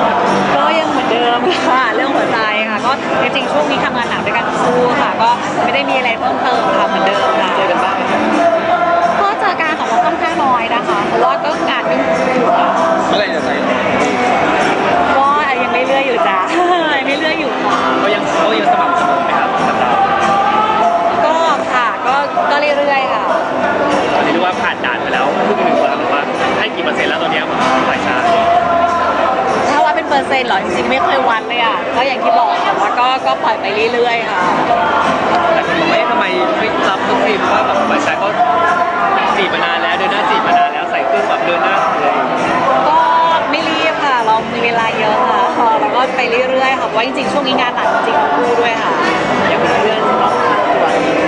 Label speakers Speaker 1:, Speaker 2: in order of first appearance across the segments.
Speaker 1: ก็ยังเหมือนเดิมค่ะเรื่องหัวใจค่ะก็จริงๆช่วงนี้ทำงานหนักด้วยกันทั้งคู่ค่ะก็ไม่ได้มีอะไรเพิ่มเติมค่ะเหมือนเดิมค่ะเจอกันบ้างก็เจอการของเราค่อนข้างน้อยนะคะเพราะว่าก็งานยุ่งอยู่ค่ะ
Speaker 2: เมื่อไหร่จะใส่
Speaker 1: ก็ยังไม่เลื่อยอยู่จ้ายังไม่เลื่อยอยู่ค่ะ
Speaker 2: เขายังสม่ำเสมอไหมครับกับเรา
Speaker 1: ก็ค่ะก็เรื่อยๆค่ะ
Speaker 2: ตอนนี้เรียกว่าผ่านด่านไปแล้วครึ่งหนึ่งแล้วแบบว่าให้กี่เปอร์เซ็นต์แล้วตอนนี้ฝ่ายชาย
Speaker 1: ถ้าว่าเป็นเปอร์เซ็นต์หรอจริงๆไม่เคยวัดเลยอ่ะก็อย่างที่บอกว่าก็ปล่อยไปเรื่อยๆค่ะ
Speaker 2: แต่คุณบอกว่าทำไมไม่รับทุกทีเพราะว่าแบบฝ่ายชายก็จีบมานานแล้วเดินหน้าจีบมานานแล้วใส่เครื่องแบบเดินหน้าเลย
Speaker 1: ก็ไม่รีบค่ะเรามีเวลาเยอะค่ะเราก็ไปเรื่อยๆค่ะเพราะว่าจริงๆช่วงนี้งานหนักจริงๆคู่ด้วยค่ะ
Speaker 2: ยังมีเรื่องรอบข้างตัว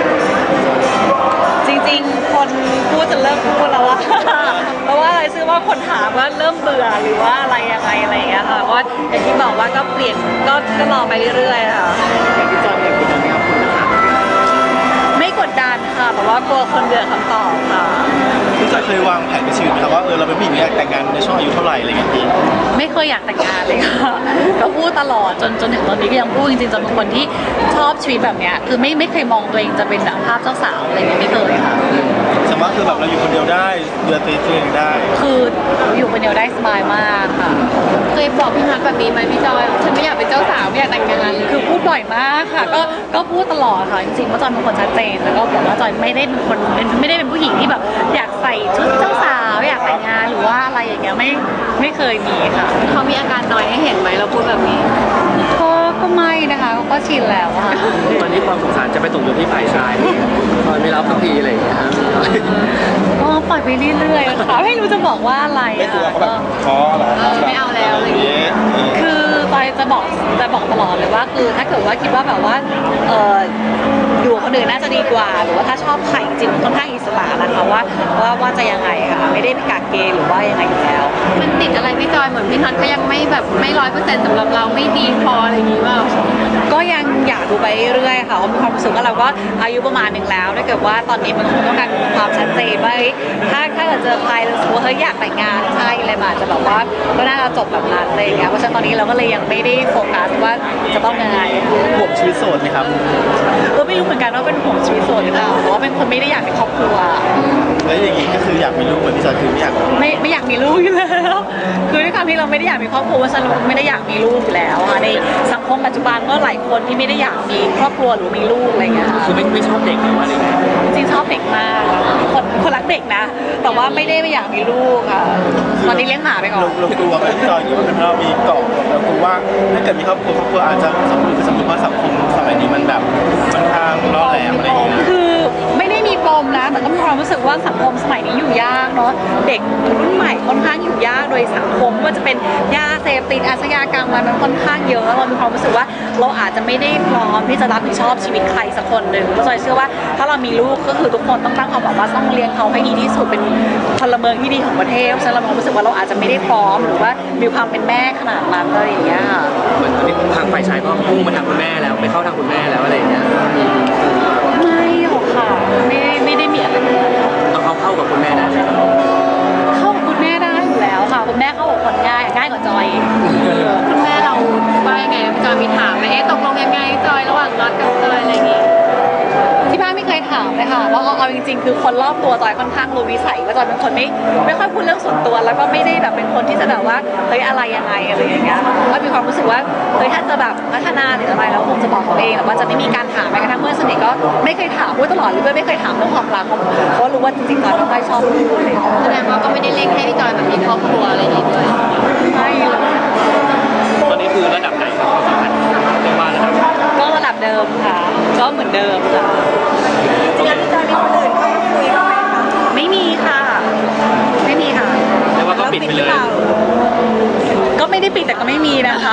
Speaker 1: จริงๆคนพูดจะเลิกพูดแล้วว่าเพราะว่าอะไรชื่อว่าคนถามว่าเริ่มเบื่อหรือว่าอะไรยังไงอะไรอย่างเงี้ยค่ะว่าอย่างที่บอกว่าก็เปลี่ยนก็รอไปเรื่อยๆค่ะ
Speaker 2: อย่างที่จอยเนี่ยคุณจะไม่เอาคุณนะคะ
Speaker 1: ไม่กดดันค่ะแต่ว่ากลัวคนเบื่อคำตอบค่ะ
Speaker 3: พี่จอยเคยวางแผนในชีวิตไหมครับว่าเราเป็นผู้หญิงอยากแต่งงานในช่วงอายุเท่าไหร่อะไรเงี้ยพี่
Speaker 1: ไม่เคยอยากแต่งงานเลยค่ะก็พูดตลอดจนถึงตอนนี้ก็ยังพูดจริงๆจนเป็นคนที่ชอบชีวิตแบบเนี้ยคือไม่เคยมองตัวเองจะเป็นภาพเจ้าสาวอะไรเงี้ยไม่เคยค่ะ
Speaker 3: สมมติคือแบบเราอยู่คนเดียวได้ดูแลตัวเองได้
Speaker 1: คืออยู่คนเดียวได้สบายมากค่ะ
Speaker 4: เคยบอกพี่ฮัทแบบนี้ไหมพี่จอยฉันไม่อยากเป็นเจ้าสาวไม่อยากแต่งงาน
Speaker 1: คือพูดบ่อยมากค่ะก็พูดตลอดค่ะจริงๆว่าจอยเป็นคนชัดเจนแล้วก็บอกว่าจอยไม่ได้เป็นคนไม่ได้เป็นผู้หญิงที่แบบอยากใส่ชุดเจ้าสาวอยากแต่งงานหรือว่าอะไรอย่างเงี้ยไม่เคยมีค่ะ
Speaker 4: เขามีอาการน้อยให้เห็นไหมเราพูดแบบนี้
Speaker 1: ก็ไม่นะคะก็ชินแล้วค่ะ
Speaker 2: ตอนนี้ความสงสารจะไปตกอยู่ที่ฝ่ายชายคอยไม่รับสักทีอะไรอย่างเงี้ยฮะ
Speaker 1: ก็ปล่อยไปเรื่อยๆค่ะไม่รู้จะบอกว่าอะไร
Speaker 3: ไม่กลัวเขาแบบท้อหรอ
Speaker 4: ไม่เอาแล้วอะไรอย่างเงี้ย
Speaker 1: คือจอยจะบอกตลอดเลยว่าคือถ้าเกิดว่าคิดว่าแบบว่าอยู่คนอื่นน่าจะดีกว่าหรือว่าถ้าชอบใครจริงค่อนข้างอิสระนะคะว่าจะยังไงค่ะไม่ได้ไปกักเกณฑ์หรือว่ายังไงอยู่แล้ว
Speaker 4: มันติดอะไรพี่จอยเหมือนพี่ฮัทก็ยังไม่แบบไม่100%สำหรับเราไม่ดีพออะไรอย่างงี้ว่า
Speaker 1: ก็ยังอยากดูไปเรื่อยๆค่ะเพราะมีความรู้สึกว่าเราก็อายุประมาณหนึ่งแล้วถ้าเกิดว่าตอนนี้มันคงต้องการความชัดเจนว่าถ้าเกิดเจอใครแล้วรู้สึกว่าเฮ้ยอยากแต่งงานใช่อะไรอาจจะแบบว่าก็น่าจะจบแบบนั้นอะไรอย่างเงี้ยเพราะฉะนั้นตอนนี้เราก็เลยยังไม่ได้โฟกัสว่าจะต้องยังไง
Speaker 3: ห่วงชีวิตโสดไหมครับ
Speaker 1: ไม่รู้เหมือนกันว่าเป็นห่วงชีวิตโสดหรือเปล่าแต่ว่าเป็นคนไม่ได้อยากมีครอบครัว
Speaker 3: แล้วอย่างงี้ก็คืออยากมีลูกเหมือนที่จอยคือไม่อยาก
Speaker 1: มีลูกอยู่แล้วคือด้วยความที่เราไม่ได้อยากมีครอบครัวฉันไม่ได้อยากมีลูกอยู่แล้วค่ะในสังคมปัจจุบันก็หลายคนที่ไม่ได้อยากมีครอบครัวหรือมีลูกอะไรเงี้ย
Speaker 2: คือไม่ชอบเด็กหรือว่าอะไร
Speaker 1: จริงชอบเด็กมากคนรักเด็กนะแต่ว่าไม่ได้อยากมีลูกค่ะตอนนี้เลี้ยงหมาไปก่อน
Speaker 3: เรากลัวไหมพี่จอยอยู่เป็นเรามีเกาะเรากลัวว่าถ้าเกิดมีครอบครัวอาจจะสมมติว่าสังคมสมัยนี้มันแบบค่อนข้างล่อแหลมอะไรอย่างเงี้ย
Speaker 1: คือไม่ได้มีปมนะแต่ก็มีความรู้สึกว่าสังคมสมัยนี้อยู่ยากเนาะเด็กรุ่นใหม่ค่อนข้างอยู่ยากโดยสังคมว่าจะเป็นยาเสพติดอาชญากรรมมันค่อนข้างเยอะเรามีความรู้สึกว่าเราอาจจะไม่ได้พร้อมที่จะรับผิดชอบชีวิตใครสักคนหนึ่งเพราะฉะนั้นเชื่อว่าถ้าเรามีลูกก็คือทุกคนต้องตั้งความหวังว่าต้องเลี้ยงเขาให้ดีที่สุดเป็นพลเมืองที่ดีของประเทศเพราะฉะนั้นเรารู้สึกว่าเราอาจจะไม่ได้พร้อมหรือว่ามีความเป็นแม่ขนาดนั้นอะไรอย่างเงี้ยค่ะ
Speaker 2: เหมือนตอนนี้ทางฝ่ายชายก็พุ่งมาทางคุณแม่แล้วไปเข้าทางคุณแม่แล้วอะไรอย่างเงี้ย
Speaker 1: ไม่หรอกค่ะไม่ได้มีอะไร
Speaker 2: เข้ากับคุณแม่ได้
Speaker 1: เข้ากับคุณแม่ได้อยู่แล้วค่ะคุณแม่เข้ากับคนง่ายกว่าจอย
Speaker 4: คุณแม่เราว่ายังไงพี่จอยมีถามไหมตกลงยังไงจอยระหว่างน็อตกับจอยอะไรอย่างงี้
Speaker 1: ที่บ้านไม่เคยถามเลยค่ะแล้วเอาจริงๆคือคนรอบตัวจอยค่อนข้างรู้วิสัยว่าจอยเป็นคนไม่ค่อยพูดเรื่องส่วนตัวแล้วก็ไม่ได้แบบเป็นคนที่จะแบบว่าเฮ้ยอะไรยังไงอะไรอย่างเงี้ยก็มีความรู้สึกว่าเฮ้ยถ้าจะแบบพัฒนาหรืออะไรแล้วคงจะบอกตัวเองแต่ว่าจะไม่มีการถามแม้กระทั่งเพื่อนสนิทก็ไม่เคยถามพูดตลอดเลยไม่เคยถามเรื่องความรักเพราะรู้ว่าจริงๆจอยไม่ค่อยชอบพูดเลย
Speaker 4: แสดงว่าก็ไม่ได้เล่นให้พี่จอยแบบมีครอบครัวอะไรอย่างงี้ด้วย
Speaker 1: ไม่
Speaker 2: ตอนนี้คือระดับไหนความสัมพันธ์เรียกว่า
Speaker 1: ระดับเดิมค่ะก็เหมือนเดิมค่ะ
Speaker 4: แล้วพี่จอยมีคนอื่นเข้ามาคุยบ้างไหมคะ
Speaker 1: ไม่มีค่ะไม่มีค่ะ
Speaker 2: เรียกว่าก็ปิดไปเลย
Speaker 1: ก็ไม่ได้ปิดแต่ก็ไม่มีนะคะ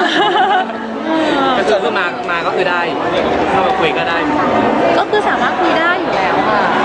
Speaker 2: ถ้าเกิดว่ามาก็คือได้เข้ามาคุยก็ได้
Speaker 1: ก็คือสามารถคุยได้อยู่แล้วค่ะ